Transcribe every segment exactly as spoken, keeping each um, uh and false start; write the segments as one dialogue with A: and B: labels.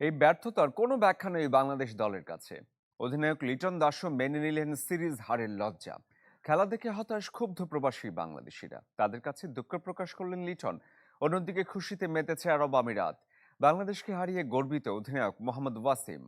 A: এই ব্যর্থতার কোনো ব্যাখ্যা নেই বাংলাদেশ দলের কাছে। অধিনায়ক লিটন দাসও মেনে নিলেন সিরিজ হারের লজ্জা। খেলা দেখে হতাশ ক্ষুব্ধ প্রবাসী বাংলাদেশিরা, তাদের কাছে দুঃখ প্রকাশ করলেন লিটন। অন্যদিকে খুশিতে মেতেছে আরব আমিরাত। বাংলাদেশকে হারিয়ে গর্বিত অধিনায়ক মোহাম্মদ ওয়াসিম।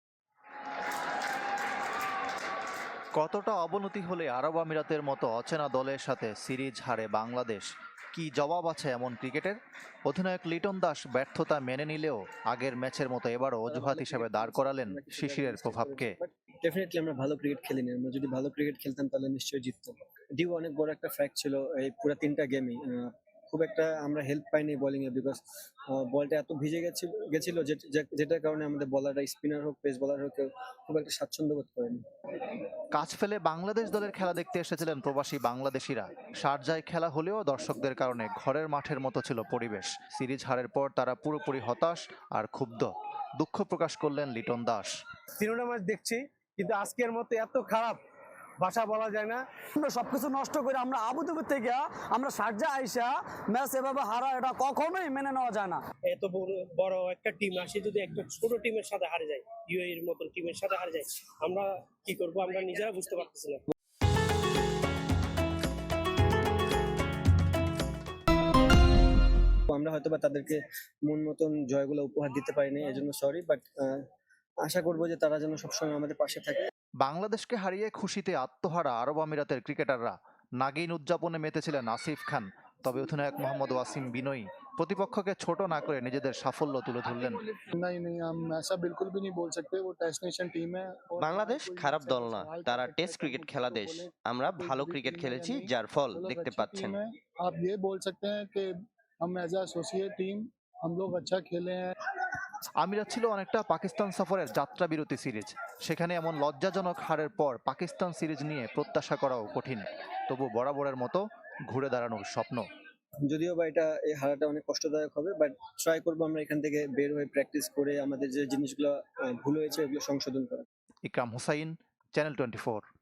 B: কতটা অবনতি হলে আরব আমিরাতের মতো অচেনা দলের সাথে সিরিজ হারে বাংলাদেশ? কি জবাব আছে এমন ক্রিকেটের? অধিনায়ক লিটন দাস ব্যর্থতা মেনে নিলেও আগের ম্যাচের মতো এবারও অজুহাত হিসেবে দাঁড় করালেন শিশিরের প্রভাবকে।
C: ডেফিনেটলি আমরা ভালো ক্রিকেট খেলিনি। আমরা যদি ভালো ক্রিকেট খেলতাম তাহলে নিশ্চয়ই জিততাম। ডিউ অনেক বড় একটা ফ্যাক্ট ছিল এই পুরো তিনটা গেমই। খুব একটা আমরা হেল্প পাইনি বোলিং এ, বিকজ বলটা এত ভিজে গেছিল গেছিল যে- যে- যেটার কারণে আমাদের বলাররা, স্পিনার হোক পেস বলার হোক, কেউ খুব একটা স্বাচ্ছন্দ্য বোধ করেনি।
B: কাজ ফেলে বাংলাদেশ দলের খেলা দেখতে এসেছিলেন প্রবাসী বাংলাদেশিরা। শারজায় খেলা হলেও দর্শকদের কারণে ঘরের মাঠের মতো ছিল পরিবেশ। সিরিজ হারের পর তারা পুরোপুরি হতাশ আর ক্ষুব্ধ। দুঃখ প্রকাশ করলেন লিটন দাস।
D: তিনটা ম্যাচ দেখছি, কিন্তু আজকের মতো এত খারাপ ভাষা বলা যায় না।
E: আমরা সবকিছু নষ্ট করে আমরা আবুধাবি থেকে আমরা শারজা আইসা ম্যাচ এভাবে হারা, এটা কখনোই মেনে নেওয়া যায় না।
F: এত বড় বড় একটা টিম আসে যদি একটা ছোট টিমের সাথে হারে যায়, ইউএইর মতন টিমের সাথে হারে যায়, আমরা কি করব আমরা নিজেরা বুঝতে পারতেছি না।
C: আমরা হয়তো বা তাদেরকে মন মতন জয়গুলো উপহার দিতে পারিনি, এজন্য সরি। বাট আশা করবো যে তারা যেন সবসময় আমাদের পাশে থাকে।
B: বাংলাদেশকে হারিয়ে খুশিতে আত্মহারা আরব আমিরাতের ক্রিকেটাররা। নাগিন উদযাপনে মেতেছিলেন আসিফ খান। তবে অধিনায়ক মোহাম্মদ ওয়াসিম বিনয়ী প্রতিপক্ষকে ছোট না করে নিজেদের সাফল্য তুলে ধরলেন।
G: नहीं नहीं हम ऐसा बिल्कुल भी नहीं बोल सकते, वो टेस्ट नेशन टीम है।
H: বাংলাদেশ খারাপ দল না, তারা টেস্ট ক্রিকেট খেলা দেশ। আমরা ভালো ক্রিকেট খেলেছি, যার ফল দেখতে পাচ্ছেন।
G: आप ये बोल सकते हैं कि हम एज एसोसिएट टीम हम लोग अच्छा खेले हैं।
B: আমিরাত ছিল অনেকটা পাকিস্তান সফরের যাত্রা বিরতি সিরিজ। সেখানে এমন লজ্জাজনক হারের পর পাকিস্তান সিরিজ নিয়ে প্রত্যাশা করাও কঠিন। তবু বরাবরের মতো ঘুরে দাঁড়ানোর স্বপ্ন।
C: যদিও বা এটা এই হারাটা অনেক কষ্টদায়ক হবে, বাট ট্রাই করবো আমরা এখান থেকে বের হয়ে প্র্যাকটিস করে আমাদের যে জিনিসগুলো আহ, ভুল হয়েছে এগুলো সংশোধন করা।
B: Ikram Hussain, channel twenty four.